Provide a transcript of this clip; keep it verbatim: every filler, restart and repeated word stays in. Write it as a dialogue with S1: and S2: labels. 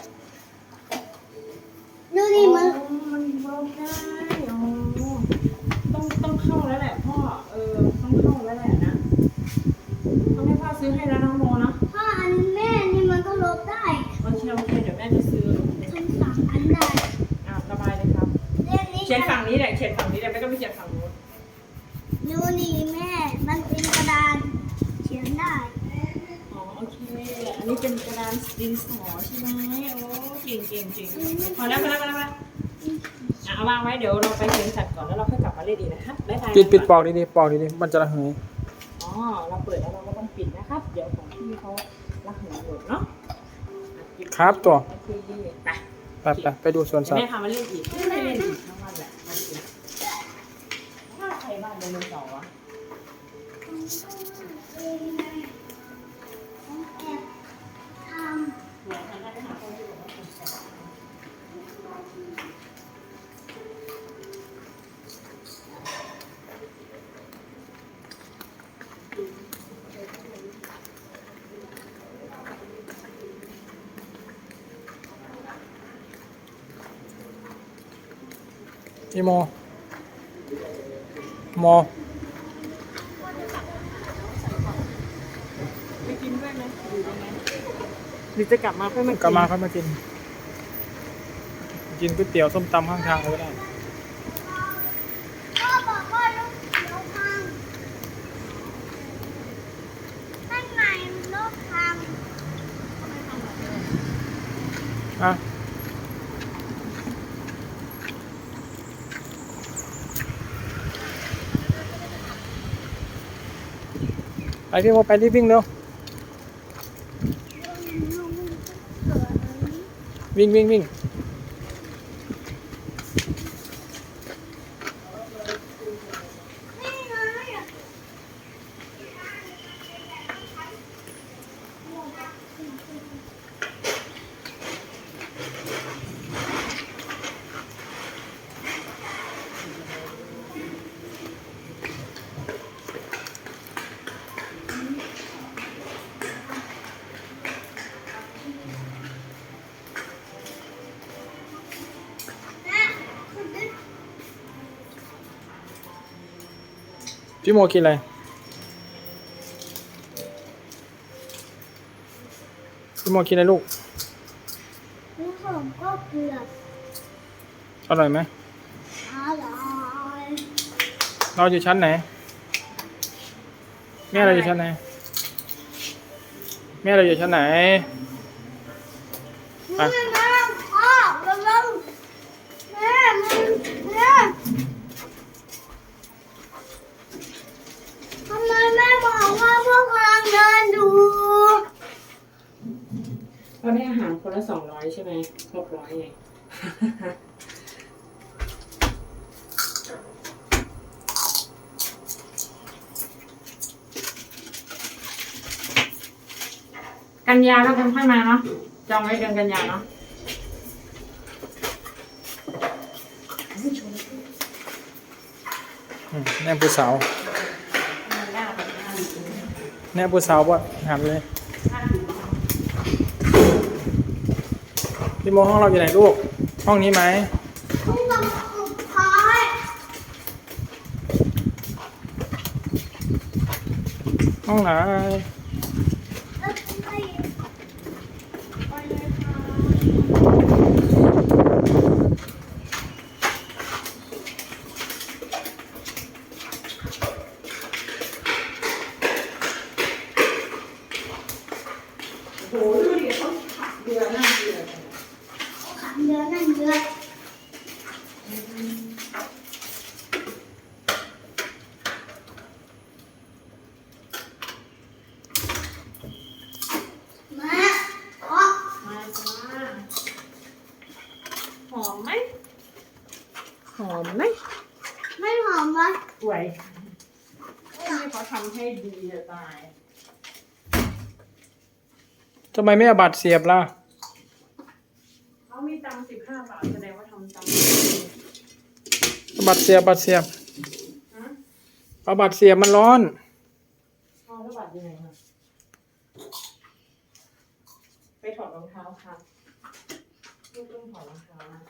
S1: ดูดิมัน
S2: มันเวิร์กได้อ๋อต้องต้องเข้าแล้วแหละพ่อเออต้องเข้าแล้วแหละนะต้องให้พ่อซื้อให้แล้วน้องโมนะ
S1: ถ้าอันแม่นี่มันก็ลบได้
S2: โอเคโอเคเดี๋ยวแม่จะซื้อ
S1: ฉันสั่งอันได้
S2: อ่ะระบายเลยครับ
S1: เรื่องนี้
S2: เขียนฝั่งนี้แหละเขียนฝั่งนี้แหละไม่ต้องไปเขียนฝั่งนู้น
S1: ดูนี่แม่มันเป็นกระดานเขียนได้
S2: อ๋อโอเคอันนี้เป็นกระดานดินสอใช่ไหมโอ้เก่งเก่งเก่งพอแล้วพอแล้วพอแล้วพอแล้วอ่ะเอาวางไว้เดี๋ยวเราไปเขียนสัตว์ก่อนแล้วเราค่อยกลับมาเล่นอีกนะครับบ๊ายบาย
S3: ปิดปิดปอกดีๆปอกดีๆมันจะระเหย
S2: อ๋อเราเปิดแล้วเราก็ต้องปิดนะครับเดี๋ยวของพี่เขารักหนูหมดเนาะ
S3: ครับตัว
S2: โอเคไป
S3: ไปไปไปดูสวน
S2: เดี๋ย
S3: สั
S2: ว
S3: ต
S2: แม่
S3: ว์
S2: พามาเล่นอีกไม่เล่นอีกทั้งวันแหละโอเคถ้าใครบ้านไดโนเสาร์วะ
S1: แอบท
S2: เดี๋ยวฉันได้ไปหาคนที่บอกว่าเป็นแสบ
S3: อีโมโม
S2: ไปกินด้วยไหมอยู่ยังไงหรือจะกลับมาค่อยมากิน
S3: กลับมาค่อยมากิน กินก๋วยเตี๋ยวส้มตำข้างทางก็ได้
S1: ำพ่อบอกว่าลูกเขียวพังข้างในลูกพัง
S3: อ่ะไปพี่โมไปรีบวิ่งเร็ววิ่งวิ่งวิ่งพี่โมกินอะไรพี่โมกินอะไรลูก
S1: ลูกผมก็เกือบ
S3: อร่อยไหม
S1: อร่อย
S3: เราอยู่ชั้นไหนแม่เราอยู่ชั้นไหนแม่เราอยู่ชั้นไหนไป
S1: แม่แม่พ่อระวังแม่แม่แม่ทำไมแม่บอกว่าพวกกำลังเดินดู
S2: เราได้อาหารคนละสองร้อยใช่ไหมหกร้อยไง กันยาแล้วกันค่อยมาเนาะจองไว้เดือนกันยาเนาะ
S3: อืมแน่ผู้สาวแน่ผู้สาวป่ะหันเลยพี่โมห้องเราอยู่ไหนลูกห้องนี้ไหม
S1: ต้องทำสุดท้าย
S3: ห้องไหน
S1: แล้วไป
S2: ไปเลยค่ะ โหดูดิเขาขับเรือหน้าเรือ
S1: ขันเดือนนั่นเดือนมาอ๋อ
S2: มาจ้าหอมไหมหอมไหม
S1: ไม่หอมวะ
S2: สวยที่เขาทำให้ดีจะตาย
S3: ทำไมไม่เอาบัตรเสียบล่ะ
S2: เขามีตังค์สิบห้าบาทแสดงว่าทำตังค์
S3: เอาบัตรเสียบบัตรเสียบ
S2: ฮะ
S3: เอาบัตรเสียบมันร้อน
S2: เอาแล้วบัตรยังไงคะไปถอดรองเท้าค่ะลูกต้องถอดรองเท้านะ